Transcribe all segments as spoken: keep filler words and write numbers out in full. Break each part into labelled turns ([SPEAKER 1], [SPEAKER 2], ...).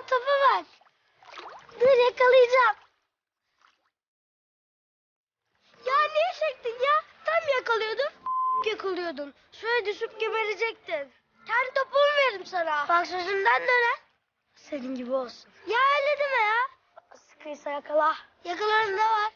[SPEAKER 1] topu ver. Dur yakalayacağım. Ya niye çektin ya? Tam yakalıyordun. Yakalıyordun. Şöyle düşüp geberecektin. Kendi topumu veririm sana. Bak sözümden döner. Senin gibi olsun. Ya öyle deme ya. Sıkıysa yakala. Yakalarında var.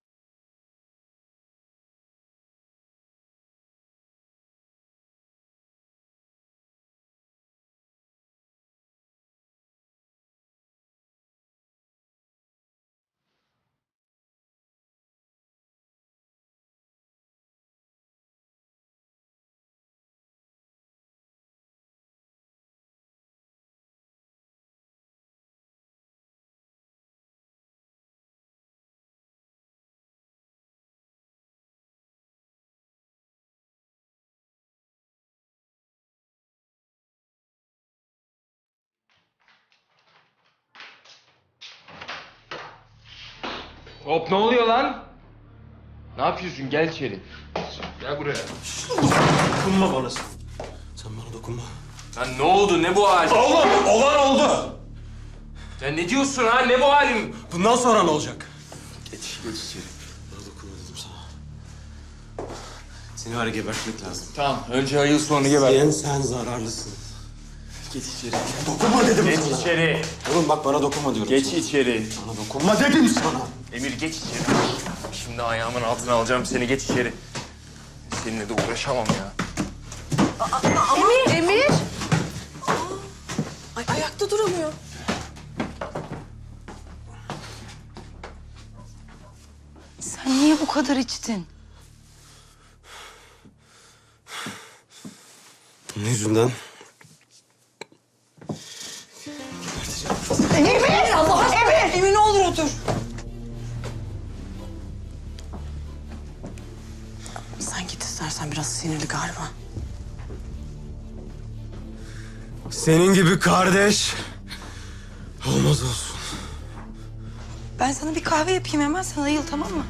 [SPEAKER 2] Hop, ne oluyor lan? Ne yapıyorsun? Gel içeri. Gel buraya.
[SPEAKER 3] Dokunma bana sen. Sen bana dokunma.
[SPEAKER 2] Lan ne oldu? Ne bu halin?
[SPEAKER 3] Oğlum, olan oldu.
[SPEAKER 2] Sen ne diyorsun ha? Ne bu halin?
[SPEAKER 3] Bundan sonra ne olacak?
[SPEAKER 2] Geç, geç içeri.
[SPEAKER 3] Bana dokunma dedim sana. Seni var ya gebertmek lazım.
[SPEAKER 2] Tamam, önce ayıl sonra geber.
[SPEAKER 3] Sen, sen zararlısın.
[SPEAKER 2] Geç içeri.
[SPEAKER 3] Dokunma dedim
[SPEAKER 2] Geç
[SPEAKER 3] sana.
[SPEAKER 2] içeri.
[SPEAKER 3] Oğlum bak bana dokunma diyorum
[SPEAKER 2] Geç
[SPEAKER 3] sana.
[SPEAKER 2] içeri.
[SPEAKER 3] Bana dokunma dedim sana.
[SPEAKER 2] Emir geç içeri. Şimdi ayağımın altına alacağım seni. Geç içeri. Seninle de uğraşamam ya.
[SPEAKER 4] Emir! Emir! Ay ayakta duramıyor.
[SPEAKER 5] Sen niye bu kadar içtin?
[SPEAKER 3] Bunun yüzünden
[SPEAKER 4] Emir! Allah aşkına! Emir! Emir ne olur otur. Sen git istersen, biraz sinirli galiba.
[SPEAKER 3] senin gibi kardeş olmaz olsun.
[SPEAKER 5] Ben sana bir kahve yapayım hemen, sen ayıl, tamam mı?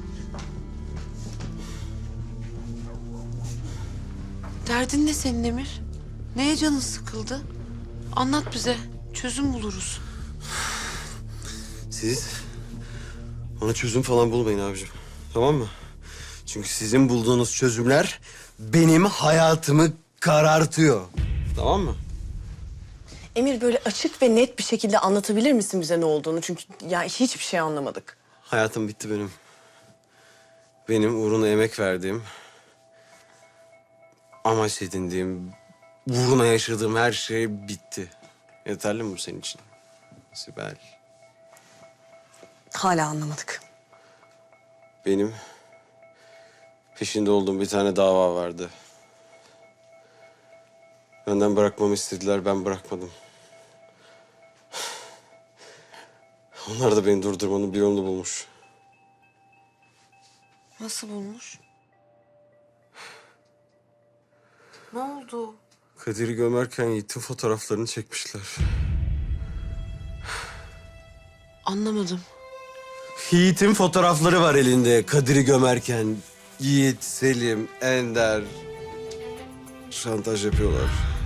[SPEAKER 4] Derdin ne senin Emir? Neye canın sıkıldı? Anlat bize. Çözüm buluruz.
[SPEAKER 3] Siz ona çözüm falan bulmayın abicim. Tamam mı? Çünkü sizin bulduğunuz çözümler benim hayatımı karartıyor. Tamam mı?
[SPEAKER 6] Emir, böyle açık ve net bir şekilde anlatabilir misin bize ne olduğunu? Çünkü ya hiçbir şey anlamadık.
[SPEAKER 3] Hayatım bitti benim. Benim uğruna emek verdiğim, amaç edindiğim, uğruna yaşadığım her şey bitti. Yeterli mi bu senin için? Sibel.
[SPEAKER 6] Hala anlamadık.
[SPEAKER 3] Benim peşinde olduğum bir tane dava vardı. Benden bırakmamı istediler, ben bırakmadım. Onlar da beni durdurmanın bir yolunu bulmuş.
[SPEAKER 4] Nasıl bulmuş? Ne oldu?
[SPEAKER 3] Kadir'i gömerken Yiğit'in fotoğraflarını çekmişler.
[SPEAKER 4] Anlamadım.
[SPEAKER 3] Yiğit'in fotoğrafları var elinde Kadir'i gömerken. Yiğit, Selim, Ender şantaj yapıyorlar.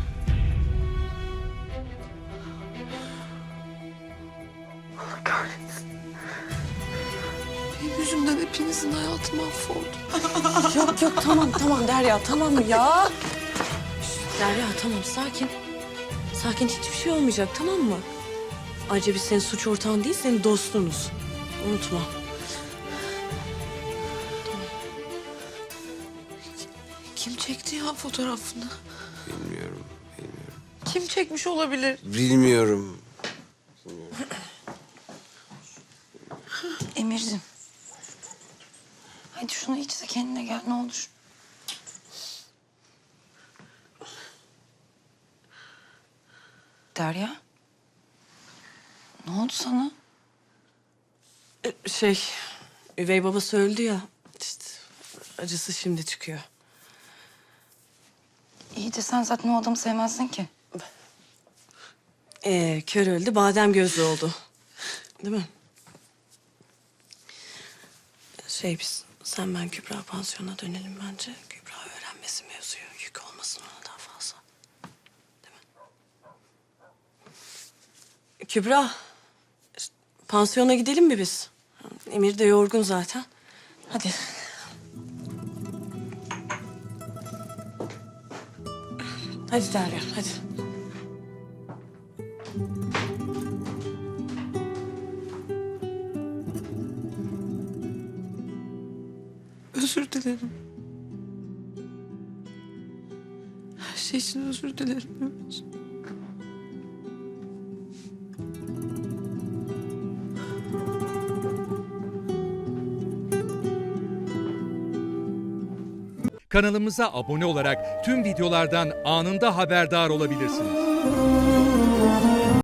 [SPEAKER 4] Benim yüzümden hepinizin hayatı mahvoldu.
[SPEAKER 6] Yok yok, tamam tamam Derya, tamam ya. Şş, Derya tamam, sakin. Sakin, hiçbir şey olmayacak, tamam mı? Ayrıca biz senin suç ortağın değil, senin dostunuz. Unutma.
[SPEAKER 4] Kim çekti ya fotoğrafını?
[SPEAKER 3] Bilmiyorum, bilmiyorum.
[SPEAKER 4] Kim çekmiş olabilir?
[SPEAKER 3] Bilmiyorum.
[SPEAKER 5] Emir'cim. Hadi şunu iç de kendine gel, ne olur. Derya. Ne oldu sana?
[SPEAKER 6] Ee, Şey, üvey babası öldü ya. İşte acısı şimdi çıkıyor.
[SPEAKER 5] İyi de sen zaten o adamı sevmezdin ki.
[SPEAKER 6] Ee, kör öldü, badem gözlü oldu. Değil mi? Şey biz, sen ben Kübra pansiyona dönelim bence. Kübra öğrenmesi mevzuyu, yük olmasın ona daha fazla. Değil mi? Kübra, pansiyona gidelim mi biz? Emir de yorgun zaten. Hadi. Hadi Derya, hadi.
[SPEAKER 4] Özür dilerim. Her şey için özür dilerim Ömer.
[SPEAKER 7] Kanalımıza abone olarak tüm videolardan anında haberdar olabilirsiniz.